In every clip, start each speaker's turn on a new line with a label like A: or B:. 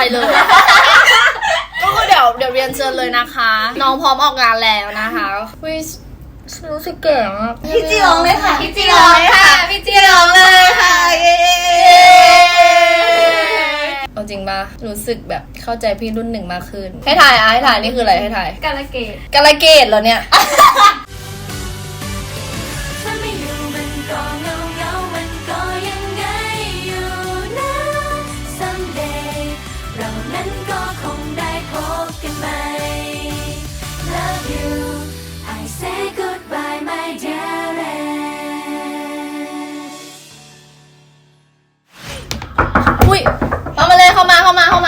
A: เลยก็คือเดี๋ยวเรียนเชิญเลยนะคะ น้องพร้อมออกงานแล้วนะคะวิรู้สึกแก่มาก
B: พี่จีร้องเลยค่ะ
C: พี่จีร้องค่ะพี่จีร้องเลยค่ะเย้
A: เอาจริงปะรู้สึกแบบเข้าใจพี่รุ่นหนึ่งมากขึ้นให้ถ่ายให้ถ่ายนี่คืออะไรให้ถ่าย
C: กาลเกต
A: กาลเกตเหรอเนี่ยอุ้ยเข้ามาเลยเข้ามา
B: ส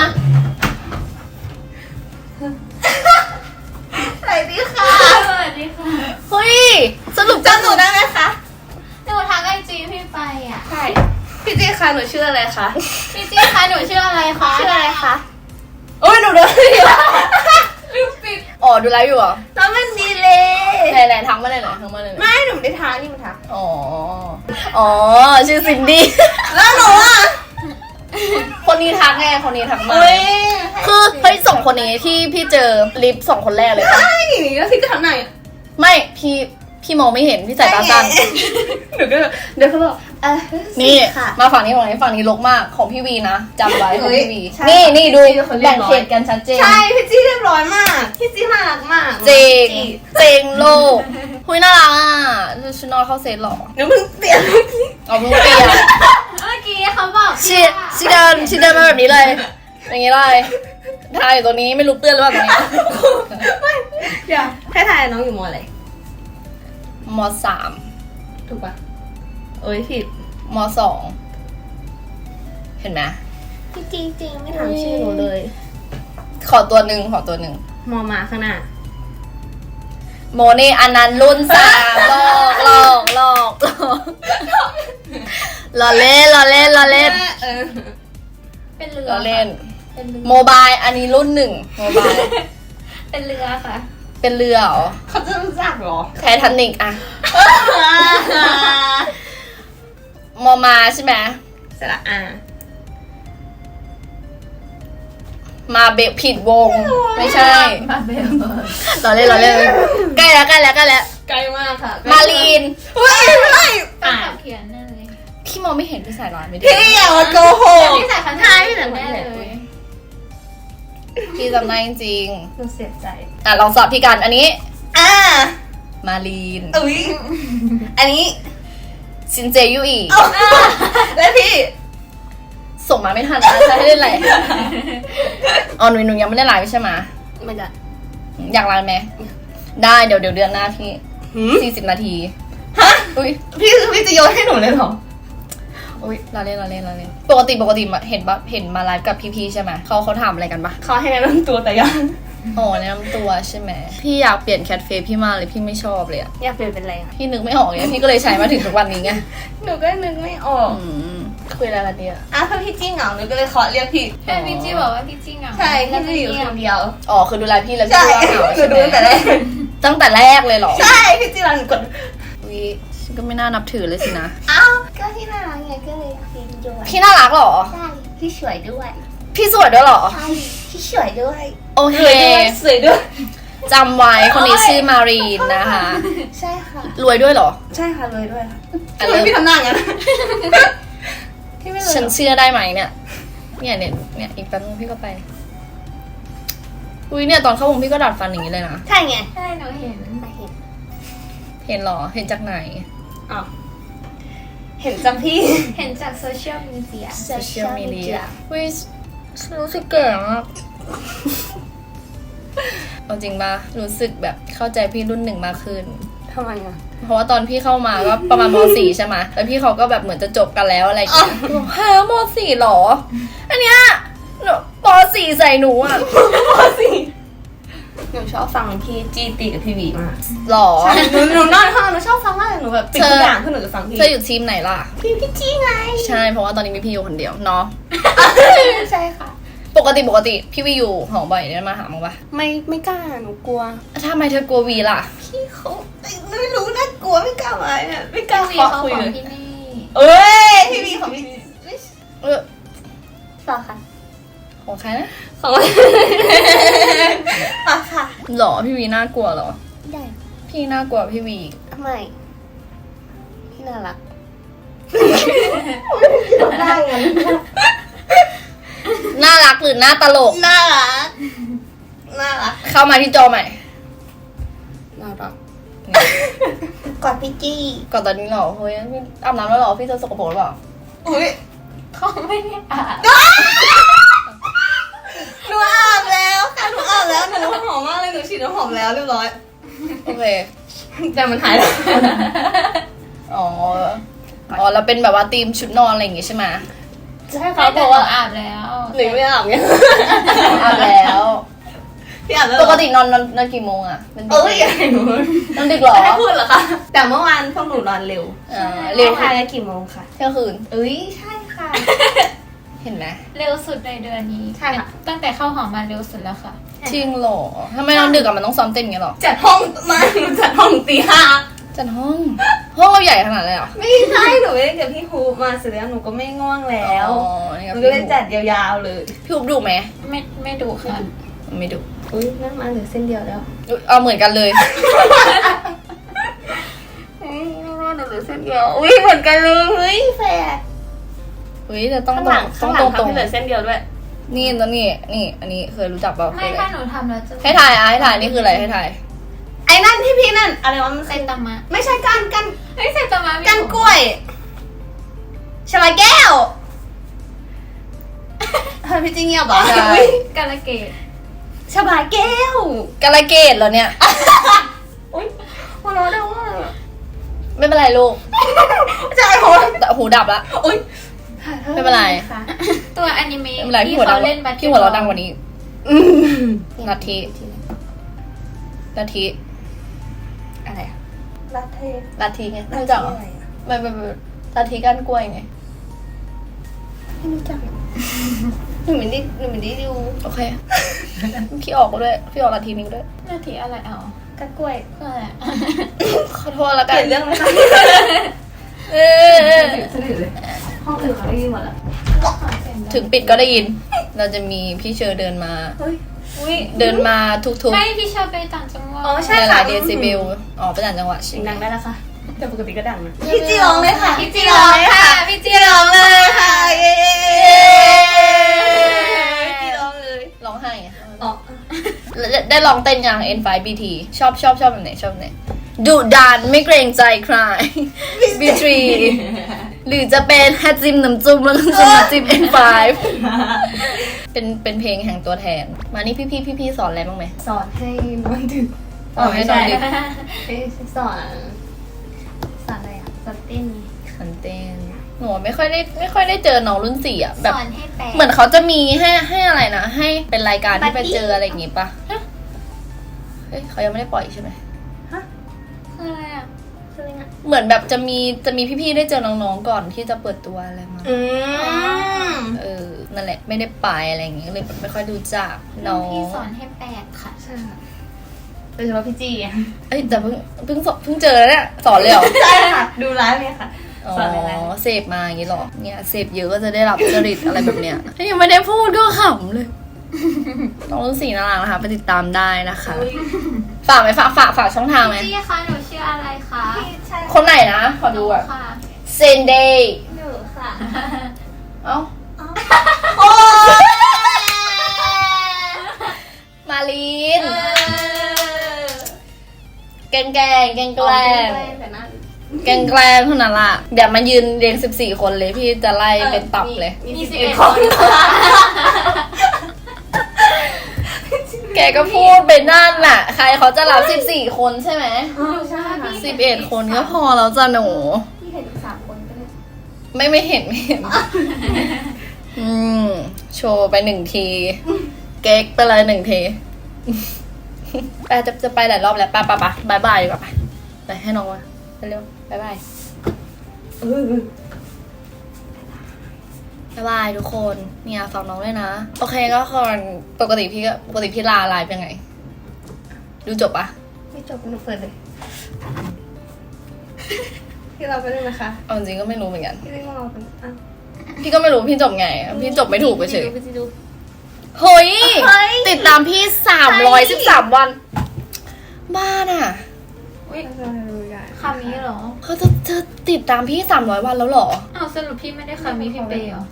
B: วัสดีค่ะ
C: สวัสดีค่ะ
A: เฮ้ยสรุป
B: จำหนูได้ไหมคะ
C: หนูทักไอจีพี่ไปอ่ะ
B: ใช่พี่จีค่ะหนูชื่ออะไรคะ
C: พี่จีคะหนูชื่ออะไรคะ
B: ชื่ออะไรคะ
A: โอ้ยหนูดูอยู่
C: ลืมปิด
A: อ๋อดูไลฟ์อยู่เหรอ
B: น้องมันดีเลย
A: ไหนทักมาเลยหน่อยทักมาเลยหน่อย
B: ไม่หนูไม่ได้ทานี่มันทา
A: อ๋อชื่อซินดี้
B: แล้วหนูอ่ะ
A: คนนี้ทักไงคนนี้ทักมา
B: อุ้ย
A: คือเฮ้ยสองคนนี้ที่พี่เจอลิฟต์สองคนแรกเลยปะ
B: ใช่แล้วพี่ก็ทำไหน
A: ไม่พี่มองไม่เห็นพี่สายตาสั้น
B: หนูก็เดี๋ยวเขาบอก
A: นี่
B: ค่ะ
A: มาฝั่งนี้ฝั่งนี้รกมากของพี่วีนะจำไว้ของพี่วี
B: ใช่
A: นี่ดู
B: พี่เป็นคนเรีย
A: แบ่
B: บ
A: ง
B: ร้อย
A: เขตกันชัดเจน
B: ใช่พี่จีเรียบร้อยมากพี่จีน่ารักมาก
A: เจงเจงโลกหุยน่ารักอ่ะชุดนอนเข้าเซตหรอ
B: หนูเพิ่งเปลี่ยน
A: เอาเพิ่งเปลี่ยน
C: เมื่อกี้เขาบอก
A: ชีเดินมาแบบนี้เลย อย่างนี้เลยทายอยู่ตรงนี้ไม่รู้เปื้อนหรือเปล่าตรงนี้
B: เดี๋ยวให้ทายน้องอยู่มอะไร
A: มสาม
B: ถูกปะเอ้ยผิด
A: มสองเห็นไหม
B: พี่จีจริงไม่ถามชื่อหนูเลย
A: ขอตัวหนึ่ง
B: มอมาข้างหน้า
A: โมนี่อันนั้นรุ่นสามหลอกล้อเล่น
B: เออ
C: เป็นเรือ
A: ล้อเล่น
C: เป็นเรือ
A: โมบายอันนี้รุ่นหนึ่งโมบาย
C: เป็นเรือค่ะ
A: เป็นเรือเหรอ
B: เขาจะรู้จักเหรอ
A: ไททานิกอะมอมาใช่ไหม
B: สระอา
A: มาเบะผิดวง ไม่ใช่
C: มาเบล
A: ล้อเล่นใกล้แล้ว
B: ไกลมากค่ะ
A: มาลีน
B: เฮ้ยไม่
C: อ่านเขียนแน่เลย
A: พี่มองไม่เห็นพี่สายร้านไม่ได้
B: พี่อย่ามาโกหก
C: พี่สายพันธุ์ไทยพี่สายพันธุ์แน่เลย
A: พี่จำได้จริง
B: หนูเสียใจ
A: ๆลองสอบพี่กันอันนี้ มาลีน
B: อุ้ยอันนี้
A: ซินเจยุอี
B: แล้วพี่
A: ส่งมาไม่ทันนะจะให้เล่นอะไรอ๋อหนูยังไม่ได้ไลฟ์ใช่ไหม
B: ไม่ได้
A: อยากไลฟ์ไหมได้เดี๋ยวเดือนหน้าพี่40 นาที
B: ฮะ
A: อุ้ย
B: พี่จะโยนให้หนูเลยเหรอ
A: อุ้ยเราเล่นปกติเห็นมาไลฟ์กับพี่ๆใช่ไหมเขาถามอะไรกันปะ
B: เขาให้แนะนำตัวแต่ยัง
A: อ๋อแนะนำตัวใช่ไหมพี่อยากเปลี่ยนแคทเฟซพี่มากเลยพี่ไม่ชอบเลยอะ
B: อยากเปลี่ยนเป็นอะไรอ่ะ
A: พี่นึกไม่ออกเลยพี่ก็เลยใช้มาถึงทุกวันนี้ไง
B: หนูก็นึกไม่ออก
A: คุยอะไรกันเนี่ย
B: ถ้าพี่จี้เหงาหนูก็เลยขอเรียกพี่
C: แค่พี่จีบอกว่าพี่จีเหงา
B: ใช่พี่จะอยู่คนเดียว
A: อ๋อคือดูไลฟ์พี่แล้ว
B: ใช่
A: พี่ว่าเหงา
B: หนู
A: ใช่ไห
B: ดู
A: ม
B: ตั้งแต่แรก
A: ตั้งแต่แรกเลยเหรอ
B: ใช่พี่จี้รันกด
A: อุ้ยฉันก็ไม่น่านับถือเลยสินะ
B: อ้าวก็ที่น่ารักไงก็เลยพิมพ์ด้วย
A: พี่น่ารักเหรอ
B: ใช่พี่สวยด้วย
A: พี่สวยด้วยเหรอ
B: ใช่พี่สวยด้วย
A: โอเค
B: สวยด้วย
A: จำไว้คนนี้ชื่อมารีนนะคะ
B: ใช่ค่ะ
A: รวยด้วยเหรอ
B: ใช่ค่ะเลยด้วยค่ะ
A: อัน
B: ทำ
A: เลิ
B: ไม
A: ศ
B: พี่ทำหน้าอย่างนั้นพี่ไม่เลย
A: ฉันเชื่อได้ไหมเนี่ยอีกแป๊บนึงพี่ก็ไป อุ้ยเนี่ยตอนเข้าวงพี่ก็ดัดฟันอย่างนี้เลยนะ
B: ใช่ไง
C: ใช่หนูเห็น
A: เห็นเหรอ เห็นจากไหน
B: อ๋อเห็นจังพี่
C: เห็นจากโซเชียลมีเดีย
A: social media อุ้ยรู้สึกแก่มากเอาจริงปะรู้สึกแบบเข้าใจพี่รุ่นหนึ่งมากขึ้น
B: ทำไมอ่ะ
A: เพราะว่าตอนพี่เข้ามาก็ประมาณม .4 ใช่ไหมแล้วพี่เขาก็แบบเหมือนจะจบกันแล้วอะไรอย่างเงี้ยบอกฮะม .4 หรอ อันเนี้ยป .4 ใส่หนูอ่ะ
B: หนูชอบฟังพี่จีตีกับพี่วีมาก
A: หรอ
B: หนูนอนห้องหนูชอบฟังมากเลยหนูแบบปิดทุกอย่างคือหนูจะฟังพี่
A: เธออยู่ทีมไหนล่ะ
B: พี่จีไง
A: ใช่ เพราะว่าตอนนี้มีพี่อยู่คนเดียวเนาะ
B: ใช่ค่ะ
A: ปกติพี่วีอยู่หอบ่อยได้มาหามั้งปะ
B: ไม่กล้าหนูกลัว
A: ทำไมเธอกลัววีล่ะ
B: พี่เขาไม่รู้น่ากลัวไม่กล้ามาเนี่ยไม่กล้า
C: พี่
B: ขอ
C: เขา
B: คุย
C: ขอ
B: เล
C: ง
B: ย
C: ที่นี่
B: เอ้ยพี่วีของพี่
A: เออ
B: ต่อค่ะ
A: ของใครนะ
B: ของอ่ะค่ะ
A: หรอพี่วีน่ากลัวเหรอ
B: ได้
A: พี่น่ากลัวพี่วีอีก
B: ทำไมพี่น่ารักได้ไง
A: น่ารักหรือน่าตลก
B: น่ารักน่ารัก
A: เข้ามาที่จอใหม่
B: น่ารักกอดพี่จี้
A: ก่อนตอนนี้เหรอเฮ้ยพี่อาบน้ำแล้วเหรอพี่จะสกปรกหรือเปล่า
B: อุ้ย
C: เขาไม่ได้อ่าน
B: หนูอาบแล้วค่ะหนูอาบแล้วหนูหอมมากเลยหนูฉีดน้ำหอมแล้วเรียบร้อย
A: โอเค
B: แต่มันหายแล้ว
A: อ๋ออ๋อแล้วเป็นแบบว่าธีมชุดนอนอะไรอย่างงี้ใช่ไหม
B: ใช่
C: เขา
B: ค่ะเพ
C: บอก
B: ราะ
C: ว่า
B: ว่า
C: อาบแล้ว
B: หนูไม่อาบไง
A: อาบแล้ว
B: พี่อาบแล้ว
A: ปกตินอนกี่โมงอ่ะเป็น
B: เอ้ยอย่าให้หนู
A: นอนดึกเหรอ
B: ให้พูดเหรอคะแต่เมื่อวานพวกหนูนอนเร็ว
A: เร็ว
B: ทายกันกี่โมงคะ
A: เที่ยงคืน
B: เอ้ยใช่ค่ะ
A: เห็นไหม
C: เร็วสุดในเดือนนี้
B: ใช่ค่ะ
C: ตั้งแต่เข้าหอมาเร็วสุดแล้วค่ะ
A: จริงเหรอทำไมนอนดึกอะมันต้องซ้อมเต้นอย่างเงี้ยเหรอ
B: จัดห้องมาหนูจัดห้องตีห้า
A: จัดห้องเราใหญ่ขนาดเลยเหรอ
B: ไม่ใช่หนูไม่ได้กับพี่ครูมาเสร็จแล้วหนูก็ไม่ง่วงแล้ว
A: อ๋อนี่
B: ห
A: ก็
B: นู
A: พี่
B: ก็เลยจัดยาวๆเลย
A: พี่อุ๊บดุไหม
C: ไม่ดูค่ะ
A: ไม่ดุ
B: อุ้ยนั่นมาเหลือเส้นเดียวแล้ว
A: อุ๊ยเอาเหมือนกันเลย
B: หนูเหลือเส้นเดียวอุ้ยเหมือนกันเลยเฮ้ยแฝด
A: เฮ้ยแต่ต้อง
B: ข้าง
A: ตร
B: หลั
A: ง
B: ง
A: ต้
B: ข้า
A: อง
B: งห
A: ต
B: ลั
A: รง งตรง
B: ทำให้เหลือเส้นเดียวด้วย
A: นี่แล้วนี่อันนี้เคยรู้จักเปล่า
C: ไม่
A: คือ
C: ถ้า
A: อะไร
C: หนูทำแล้วจะ
A: ให้ถ่ายให้ถ่ายนี่คืออะไรให้ถ่าย
B: ไอ้นั่นที่พี่นั่นอะไรวะมัน
C: เซนตามะ
B: ไม่ใช่กัน
C: เฮ้ยเซนตามะมี
B: กันกล้วยชบาแก้วเฮ้ยพี่จริงเงียบเหรอ
A: ใช่
C: กาลเกต
B: ชบาแก้ว
A: กาลเกตเหรอเนี่ย
B: อุ้ยหัวเราะได้ว่า
A: ไม่เป็นไรลูก
B: ใช่หัว
A: แต่หูดับละ
B: อุ้ย
A: ไม่เป็นไร
C: ค่ะตัวอนิเมะ
A: ไม่เป็นไรพี่
C: ที่
A: หัวดั
C: เขา
A: ง
C: เล่นบัต
A: พี่หัวเราะดังกว่านี้
B: อืม
A: นาที
B: อะไรอะรัดเท
A: นาทีไงไม่รู้จักเหรอไม่นาทีก้านกล้วยไง
B: ไม่รู้จักหนูไม่ได้ดู
A: โอเค พี่ออกก็ด้วยพี่ออกนาทีนี้ก็ด้วย
C: นาทีอะไรเอา
B: กันกล้วย
C: เพื่ออะไรอะ
A: ขอโทษแล้ว
B: เป
A: กั
B: ลี่
A: น
B: ยนเรื่องไหมคะ
A: เออ
B: ห้องอื่นเขาได้ยินหมดแล้ว
A: ถึงปิดก็ได้ยิน เราจะมีพี่เชอร์เดินมา
B: เฮ้ยอุ้ย
A: เดินมาทุก
C: ไม่พี่ชอบไปต่างจังหวัด
B: อ๋อ
A: ๆ
B: ใช่
A: ห
B: ค่ะ
A: ลายๆเดซิเบลอ๋อไปต่างจังหวัดใช่
B: เสียง
A: ไหม
B: ดังได้แล้วค่ะแต่ปกติก็ดังนะพี่จีร้องเลยค่ะ
C: พี่จีร้องค่ะพี่จีร้อง
B: เลยค่ะเย้พี่ร้องเลย
A: ร้องไห้อะ
B: อ๋อ
A: ได้ลองเต้นยัง N5BT ชอบแบบไหนชอบแบบไหนดุดันไม่เกรงใจใคร B3 หรือจะเป็นแฮจิมน้ำจุ่มแล้วก็จะมาจิ้ม N5 เป็นเพลงแห่งตัวแทน มานี่พี่สอนอะไรบ้างไหม
B: สอนให้นอนดึก
A: สอนให้นอนดึก
B: สอนอะไรอ่ะสอนเต้น
A: คันเต้นหนูไม่ค่อยได้เจอน้องรุ่นสี่อ่ะแบบ
C: สอนให้แปล
A: เหมือนเขาจะมีให้อะไรนะ ให้เป็นรายการที่ไปเจออะไรอย่างงี้ปะเฮ้ยเขายังไม่ได้ปล่อยใช่ไหม
C: คืออะไรอ่ะ
B: คืออะไรนะ
A: เหมือนแบบจะมีพี่ๆได้เจอน้องๆก่อนที่จะเปิดตัวอะไรมา นั่นแหละไม่ได้ไปอะไรอย่างงี้ก็เลยแบบไม่ค่อยรู้จักน้อง
C: พี่สอนให้แปลค่ะ
B: ใช่ค่ะโดยเฉพาะพี่จีอ่ะ
A: เอ้ยแต่เพิ่งเจอแล้วเนี่ยสอนเลยเหรอ
B: ใช่ค่ะ ดูไลฟ์เนี่ยค่ะ
A: อ๋อ
B: สอนอะไร
A: เสพมาอย่างงี้เหรอเนี่ยเสพเยอะก็จะได้รับจริตอะไรแบบเนี้ยถ้ายังไม่ได้พูดก็ขำเลยน้องรุ่นสี่น่ารักนะคะไปติดตามได้นะคะ ฝากไหมฝากช่องทางไหม
C: พี่คะหนูชื่ออะไรคะ
B: ใช่
A: คนไหนนะขอดูอ่ะ
C: ค่ะ
A: เซนเดย์
B: หนูค่ะ
A: เอ้า
B: โอ้
A: มาลีนแกล้งเท่านั้นล่ะเดี๋ยวมายืนเรียง14 คนเลยพี่จะไล่เป็นตับเลย
C: มี11 คนค่ะ
A: แกก็พูดไปนั่นน่ะ ใครเขาจะรับ14 คนใช่ไหม
B: ใช่ค่ะ
A: 11 คนก็พอแล้วจ้ะหนู
B: พี่เห็นอีก3 คนก็ได้
A: ไม่เห็น โชว์ไป1 ที เก๊กไปเลย1 ที ไปจะไปหลายรอบแล้วไปบายบายดีกว่าไปให้น้องมาเร็วบายบายบายทุกคนเนี่ยฝากน้องด้วยนะ โอเคก็คนปกติพี่ลาไลฟ์เป็นไง ดูจบปะ
B: ไม่จบหนูเปิดเลยพี่เราไปเลยนะคะ
A: เอาจริงก็ไม่รู้เหมือนกัน
B: พี่เล่นของเราเป็นอ่ะ
A: พี่ก็ไม่รู้พี่จบไง พี่จบไม่ถูกไปเฉย
B: พี่จีดู
A: ฮเฮ้ย
B: เฮ้ย
A: ติดตามพี่313 วัน บ้าน่ะ
C: อุ๊ยคำนี้เหรอ
A: เธอติดตามพี่300 วันแล้วเหรอ
C: อ้าวสรุปพี่ไม่ได้คำนี้พี่เปย์เหรอ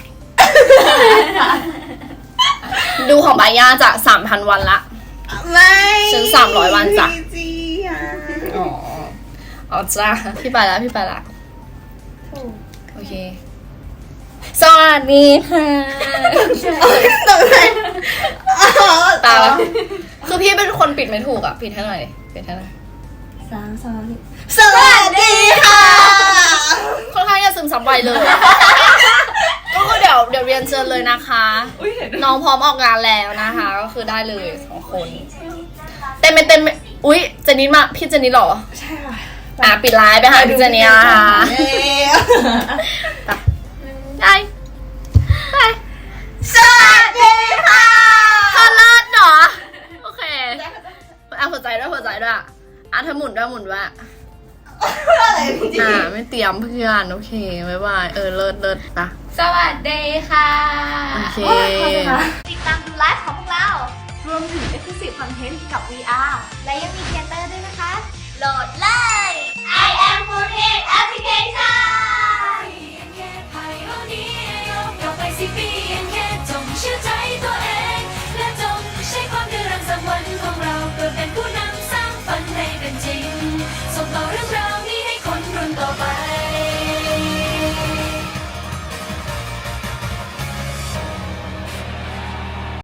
A: ดูของบาย่าจะ 3,000 วันละ
B: ไม่
A: ฉัน300 วันจ้ะ
B: จีอ่ะ
A: อ๋อจ้าพี่ไปละ
B: ถูก
A: โอเค สวัสดีค่ะ
B: ตกใจ
A: ตายแล้วคือพี่เป็นคนปิดไม่ถูกอ่ะ ปิดให้หน่อยดิปิดให้หน่อย
B: สวัสดีค่ะ
A: ค่อนข้างจะซึมซับไวเลย ก็คือเดี๋ยวเรียนเชิญเลยนะคะ น้องพร้อมออกงานแล้วนะคะ ก็คือได้เลย2 คน เต็มอุ๊ยเจนนี่มาพี่เจนนี่เหรอ
B: ใช่ค่ะ
A: ปิดไลน์ไปหาพี่เจนนี่นะคะ ได้ไป
B: สวัสดีค่ะ
A: พอเลิศเนาะโอเคหัวใจด้วยเธอหมุนด้วย
B: อะไรพี่จี
A: ไม่เตรียมเพื่อนโอเคบ๊ายบายเลิศปะ
C: สวัสดีค่ะ
A: โอเค
B: ติดตามดูไลฟ์ของพวกเรา รวมถึง Exclusive Content กับ VR และยังมีเทเตอร์ด้วยนะคะ